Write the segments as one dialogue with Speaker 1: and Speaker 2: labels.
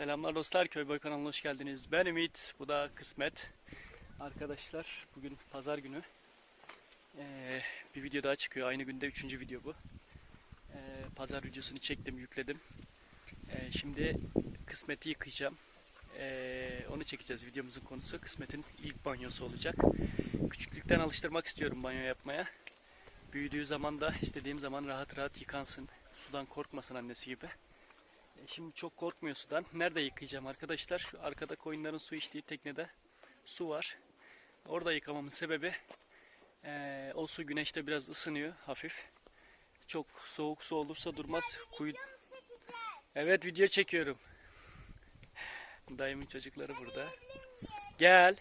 Speaker 1: Selamlar dostlar, Köyboy kanalına hoş geldiniz. Ben Ümit, bu da Kısmet. Arkadaşlar bugün pazar günü. Bir video daha çıkıyor. Aynı günde 3. video bu. Pazar videosunu çektim, yükledim. Şimdi Kısmet'i yıkayacağım. Onu çekeceğiz. Videomuzun konusu Kısmet'in ilk banyosu olacak. Küçüklükten alıştırmak istiyorum banyo yapmaya. Büyüdüğü zaman da istediğim zaman rahat rahat yıkansın. Sudan korkmasın annesi gibi. Şimdi çok korkmuyor sudan. Nerede yıkayacağım arkadaşlar? Şu arkada koyunların su içtiği teknede su var. Orada yıkamamın sebebi o su güneşte biraz ısınıyor hafif. Çok soğuk su olursa durmaz. Evet, video çekiyorum. Dayımın çocukları burada. Gel.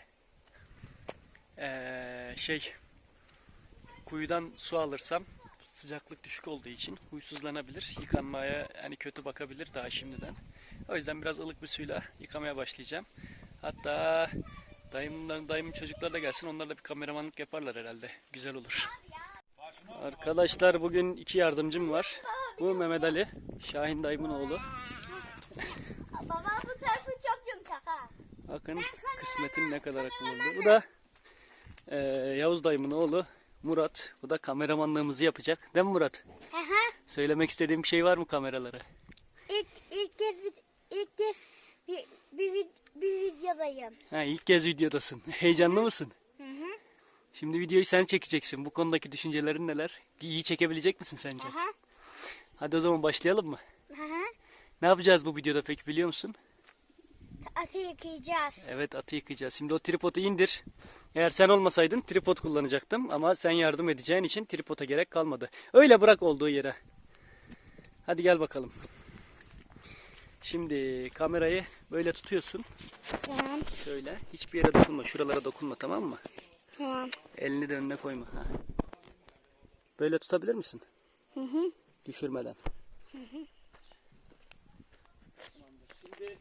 Speaker 1: Kuyudan su alırsam sıcaklık düşük olduğu için huysuzlanabilir. Yıkanmaya kötü bakabilir daha şimdiden. O yüzden biraz ılık bir suyla yıkamaya başlayacağım. Hatta dayımın çocukları da gelsin. Onlar da bir kameramanlık yaparlar herhalde. Güzel olur. Arkadaşlar bugün 2 yardımcım var. Bu Mehmet Ali, Şahin dayımın oğlu.
Speaker 2: Baba bu tarafı çok yumuşak ha.
Speaker 1: Bakın Kısmet'in ne kadar akıllı oldu. Bu da Yavuz dayımın oğlu Murat. Bu da kameramanlığımızı yapacak. Değil mi Murat? Söylemek istediğim bir şey var mı kameralara?
Speaker 2: İlk kez bir videodayım.
Speaker 1: İlk kez videodasın. Heyecanlı mısın?
Speaker 2: Hı.
Speaker 1: Şimdi videoyu sen çekeceksin. Bu konudaki düşüncelerin neler? İyi çekebilecek misin sence? Hadi o zaman başlayalım mı? Ne yapacağız bu videoda peki, biliyor musun?
Speaker 2: Atı yıkayacağız.
Speaker 1: Evet, atı yıkayacağız. Şimdi o tripodu indir. Eğer sen olmasaydın tripod kullanacaktım. Ama sen yardım edeceğin için tripoda gerek kalmadı. Öyle bırak olduğu yere. Hadi gel bakalım. Şimdi kamerayı böyle tutuyorsun.
Speaker 2: Tamam.
Speaker 1: Şöyle. Hiçbir yere dokunma. Şuralara dokunma, tamam mı?
Speaker 2: Tamam.
Speaker 1: Elini de önüne koyma. Böyle tutabilir misin?
Speaker 2: Hı.
Speaker 1: Düşürmeden. Şimdi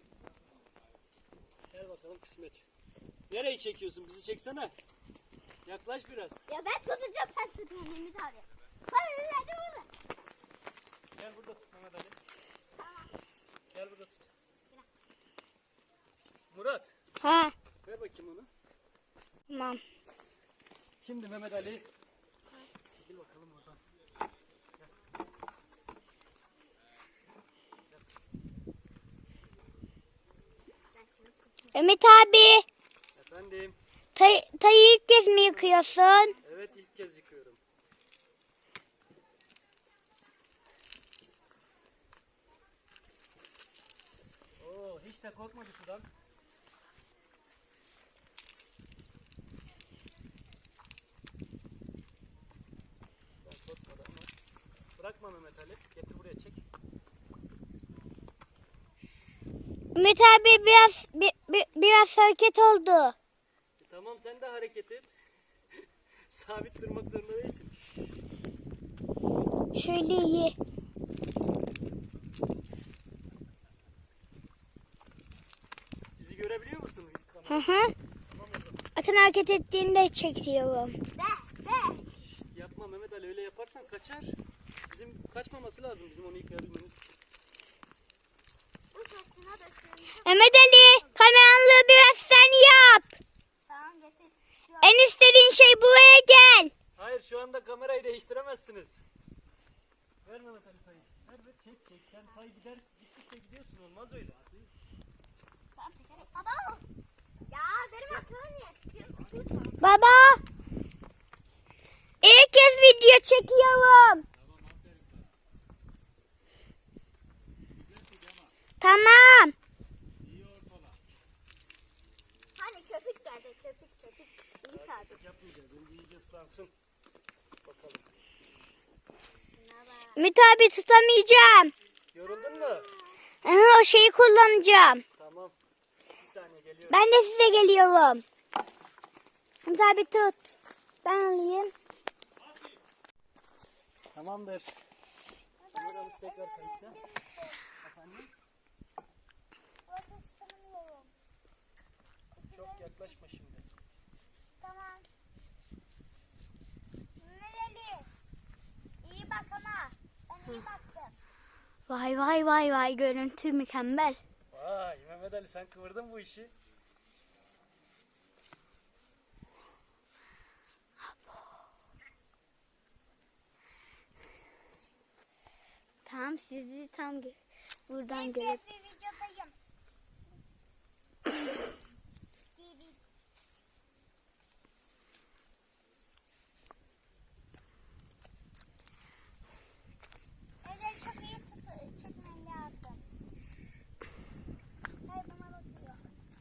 Speaker 1: gel bakalım Kısmet. Nereyi çekiyorsun? Bizi çeksene. Yaklaş biraz.
Speaker 2: Ya ben tutacağım, sen tutma Mehmet abi. Hadi burada.
Speaker 1: Gel burada tut Mehmet Ali. Gel burada tut. Murat. Ver bakayım onu.
Speaker 2: Tamam.
Speaker 1: Şimdi Mehmet Ali. Gel bakalım oradan.
Speaker 2: Ümit abi,
Speaker 1: Efendim.
Speaker 2: tayı ilk kez mi yıkıyorsun?
Speaker 1: Evet, ilk kez yıkıyorum. Oo, hiç de korkmadı sudan. Korkmadı ama. Bırakma Mehmet Ali. Getir buraya, çek.
Speaker 2: Ümit abi biraz hareket oldu.
Speaker 1: Tamam, sen de hareket et. Sabit durmak zorunda değilsin.
Speaker 2: Şöyle iyi.
Speaker 1: Bizi görebiliyor musun?
Speaker 2: Hı. Atın hareket ettiğini de çekiyorum.
Speaker 1: Yapma Mehmet Ali, öyle yaparsan kaçar. Bizim kaçmaması lazım, bizim onu yıkayabilmemiz.
Speaker 2: Mehmet Ali, kameranlığı biraz sen yap. Tamam, getir. En istediğin şey buraya gel.
Speaker 1: Hayır, şu anda kamerayı değiştiremezsiniz. Ver Mehmet Ali payı. Ver çek. Sen pay gittikçe gidiyorsun, olmaz öyle.
Speaker 2: Tamam, çekelim. Baba. Ya benim aklım niye? Baba. İlk kez video çekiyorum. Tamam. Hani köpük geldi, köpük. İyi tabii.
Speaker 1: Yapmayacağız, önce iyice ıslansın. Bakalım.
Speaker 2: Ümit abi, tutamayacağım.
Speaker 1: Yoruldun mu?
Speaker 2: O şeyi kullanacağım.
Speaker 1: Tamam. Bir saniye, geliyorum.
Speaker 2: Ben de size geliyorum. Ümit abi tut. Ben alayım.
Speaker 1: Tamamdır. Kameramız tekrar kayıtta. Efendim? Çok yaklaşma şimdi.
Speaker 2: Tamam. Nereli? İyi bak ama. Ben iyi baktım. Vay görüntü mükemmel.
Speaker 1: Vay Mehmet Ali, sen kıvırdın bu işi.
Speaker 2: Tamam, sizi tam buradan görüp.
Speaker 3: videodayım. Eller çok iyi çekmen lazım. Hayır, bana bakıyor.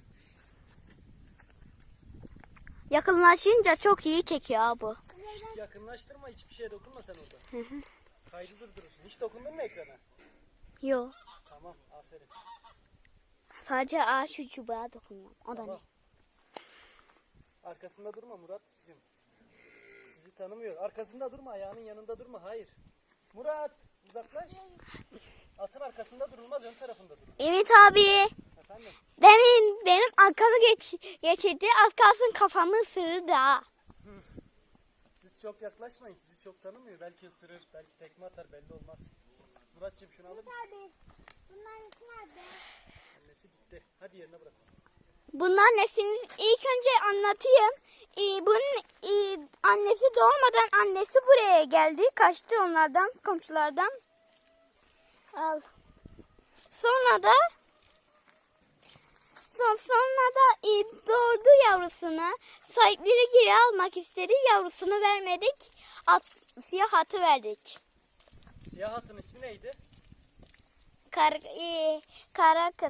Speaker 2: Yakınlaşınca çok iyi çekiyor bu.
Speaker 1: Yakınlaştırma, hiçbir şeye dokunma sen orada. Kaydı durdurursun. Hiç dokundun mu ekrana?
Speaker 2: Yo.
Speaker 1: Tamam, aferin.
Speaker 2: Sadece ağaç şu çubuğa dokunuyorum. O da
Speaker 1: Tamam.
Speaker 2: ne?
Speaker 1: Arkasında durma Murat'cığım. Sizi tanımıyor. Arkasında durma, ayağının yanında durma. Hayır. Murat, uzaklaş. Atın arkasında durulmaz, ön tarafında durur.
Speaker 2: Evet abi.
Speaker 1: Efendim?
Speaker 2: Demin benim arkamı geçirdi. Az kalsın kafamı ısırırdı ha.
Speaker 1: Siz çok yaklaşmayın. Sizi çok tanımıyor. Belki ısırır, belki tekme atar, belli olmaz. Murat'cığım şunu alır mısın?
Speaker 3: Abi, bunların nerede?
Speaker 1: Annesi gitti. Hadi yerine bırak.
Speaker 2: Bunlar nesiniz? İlk önce anlatayım. Bunun annesi doğmadan annesi buraya geldi. Kaçtı onlardan, komşulardan. Al. Sonra da doğurdu yavrusunu. Sahipleri geri almak istedi. Yavrusunu vermedik. Siyah atı verdik.
Speaker 1: Siyah atın ismi neydi?
Speaker 2: Kara kız.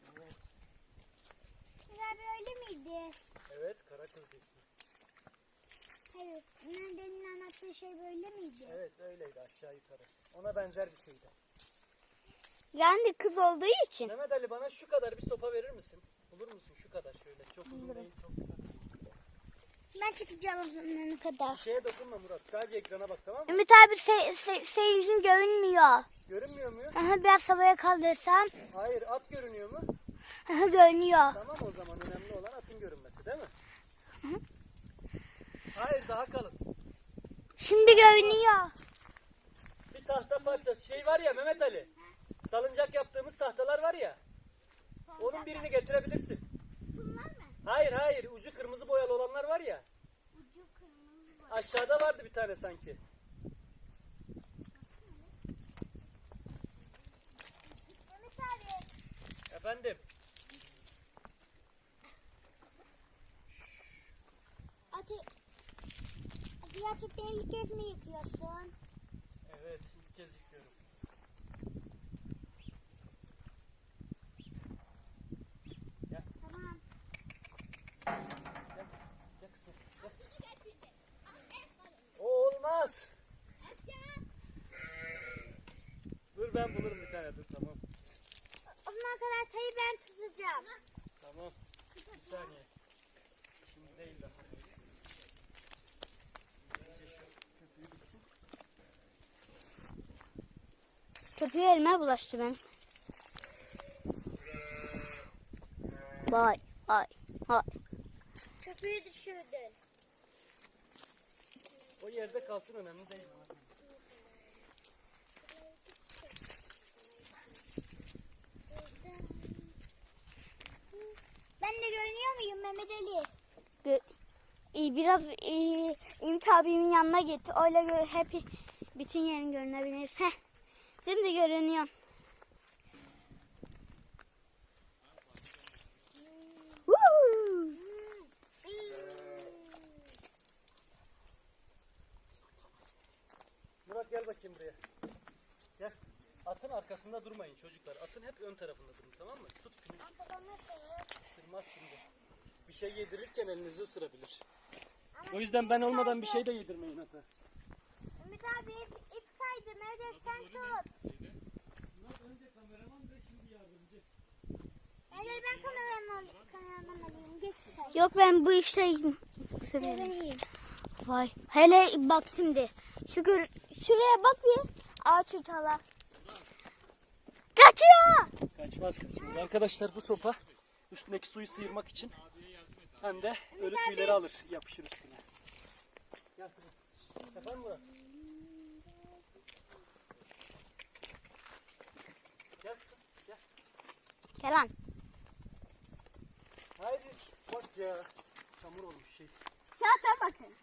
Speaker 3: Abi öyle miydi?
Speaker 1: Evet, kara kız ismi.
Speaker 3: Hayır, demin anlattığı şey böyle miydi?
Speaker 1: Evet, öyleydi aşağı yukarı. Ona benzer bir şeydi.
Speaker 2: Yani kız olduğu için.
Speaker 1: Mehmet Ali, bana şu kadar bir sopa verir misin? Bulur musun şu kadar şöyle? Çok uzun değil, çok kısa.
Speaker 3: Ben çıkacağım o zamana kadar.
Speaker 1: Bir şeye dokunma Murat. Sadece ekrana bak, tamam mı?
Speaker 2: Ümit abi seyircim görünmüyor.
Speaker 1: Görünmüyor mu?
Speaker 2: Aha, biraz havaya kaldırsam.
Speaker 1: Hayır, at görünüyor mu?
Speaker 2: Aha, görünüyor.
Speaker 1: Tamam, o zaman önemli olan atın görünmesi, değil mi? Hayır, daha kalın.
Speaker 2: Şimdi görünüyor.
Speaker 1: Bir tahta parçası şey var ya Mehmet Ali. Salıncak yaptığımız tahtalar var ya. Onun birini getirebilirsin.
Speaker 3: Bunlar mı?
Speaker 1: Hayır, ucu kırmızı boyalı olanlar var ya.
Speaker 3: Ucu kırmızı var.
Speaker 1: Aşağıda vardı bir tane sanki.
Speaker 3: Mehmet abi.
Speaker 1: Efendim.
Speaker 3: Hadi gerçekten ilk kez mi yıkıyorsun?
Speaker 1: Evet, ilk kez yıkıyorum. Gel,
Speaker 3: Tamam.
Speaker 1: gel kızım, gel. O olmaz. Dur, ben bulurum bir tane, dur, tamam.
Speaker 3: O zamana kadar tayı ben tutacağım.
Speaker 1: Tamam. Bir saniye. Şimdi değil daha. Önce şu köpüğü bitsin.
Speaker 2: Köpüğü elime bulaştı ben. Vay.
Speaker 3: Köpüğü düşürdün.
Speaker 1: O yerde kalsın, önemli değil.
Speaker 3: Ben de görünüyor muyum Mehmet Ali?
Speaker 2: Biraz Ümit abimin yanına git. Öyle hep bütün yerin görünebilir. Heh. Şimdi görünüyor. Woo!
Speaker 1: Murat, gel bakayım buraya. Gel. Atın arkasında durmayın çocuklar. Atın hep ön tarafında durun, tamam mı? Tut pini. Isırmaz şimdi. Bir şey yedirirken elinizi ısırabilir. O yüzden ben olmadan bir şey de yedirmeyin ata.
Speaker 3: Ümit abi ip kaydı. Mehmet sen tut.
Speaker 1: Murat önce kameraman da şimdi yardımcı.
Speaker 3: Mehmet ben kameraman alayım. Geç sen.
Speaker 2: Yok, ben bu işte severim.
Speaker 3: Vereyim.
Speaker 2: Vay. Hele bak şimdi. Şuraya bak bir. Ağaç uçala. Kaçıyor.
Speaker 1: Kaçmaz. Arkadaşlar, bu sopa üstündeki suyu sıyırmak için hem de ölü tüyleri alır, yapışır üstüne. Gel kızım. Efendim Murat? Gel kızım, gel.
Speaker 2: Kenan.
Speaker 1: Haydi bak ya. Çamur olmuş şey.
Speaker 2: Zaten bakın.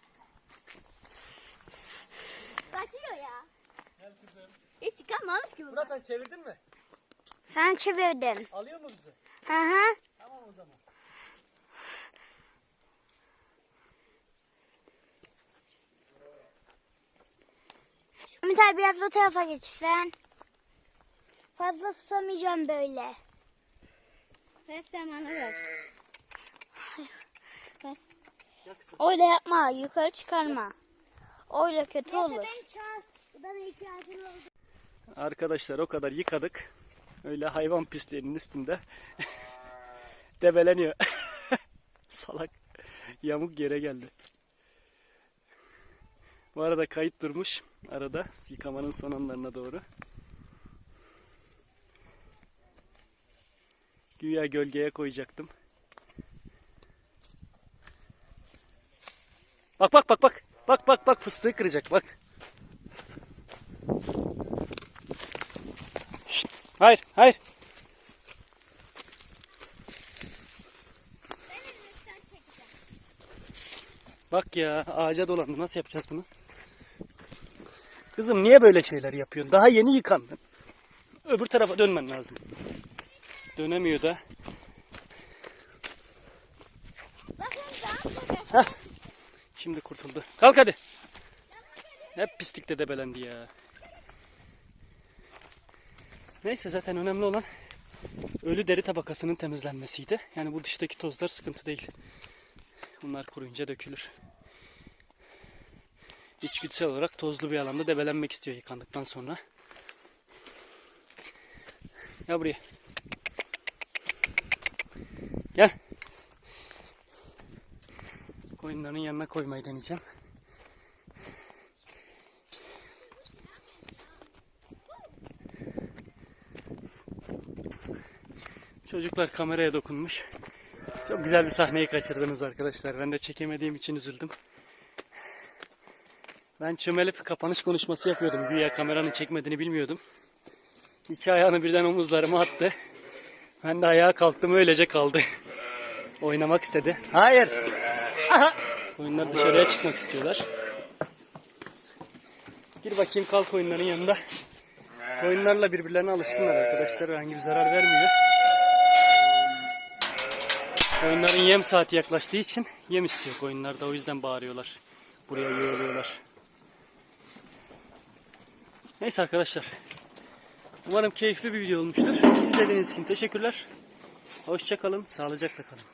Speaker 2: Kaçıyor ya.
Speaker 1: Gel kızım.
Speaker 2: Hiç çıkarmamış ki bu.
Speaker 1: Murat Han çevirdin mi?
Speaker 2: Sen çevirdin.
Speaker 1: Alıyor mu bizi?
Speaker 2: Hı hı.
Speaker 1: Tamam o zaman.
Speaker 2: Ümit abi biraz bu tarafa geçsen. Fazla tutamayacağım böyle. Ver sen bana ver. Ver.
Speaker 1: Gel kızım.
Speaker 2: Öyle yapma. Yukarı çıkarma. Öyle kötü olur.
Speaker 1: Arkadaşlar o kadar yıkadık. Öyle hayvan pisliğinin üstünde. Debeleniyor. Salak. Yamuk yere geldi. Bu arada kayıt durmuş. Arada yıkamanın son anlarına doğru. Güya gölgeye koyacaktım. Bak bak bak bak. Bak bak bak fıstığı kıracak bak. Şşt, hayır hayır. Bak ya ağaca dolandı. Nasıl yapacağız bunu? Kızım niye böyle şeyler yapıyorsun? Daha yeni yıkandın. Öbür tarafa dönmen lazım. Dönemiyor da. Heh. Şimdi kurtuldu. Kalk hadi. Hep pislikte debelendi ya. Neyse zaten önemli olan ölü deri tabakasının temizlenmesiydi. Yani bu dıştaki tozlar sıkıntı değil. Bunlar kuruyunca dökülür. İçgüdüsel olarak tozlu bir alanda debelenmek istiyor yıkandıktan sonra. Gel buraya. Gel. Koyunların yanına koymayı deneyeceğim. Çocuklar kameraya dokunmuş. Çok güzel bir sahneyi kaçırdınız arkadaşlar. Ben de çekemediğim için üzüldüm. Ben çömelip kapanış konuşması yapıyordum. Güya kameranın çekmediğini bilmiyordum. İki ayağını birden omuzlarıma attı. Ben de ayağa kalktım, öylece kaldı. Oynamak istedi. Hayır. Aha. Koyunlar dışarıya çıkmak istiyorlar. Gir bakayım, kalk koyunların yanında. Koyunlarla birbirlerine alışkınlar arkadaşlar. Herhangi bir zarar vermiyor. Koyunların yem saati yaklaştığı için yem istiyor koyunlar da, o yüzden bağırıyorlar. Buraya yığılıyorlar. Neyse arkadaşlar. Umarım keyifli bir video olmuştur. İzlediğiniz için teşekkürler. Hoşça kalın, sağlıcakla kalın.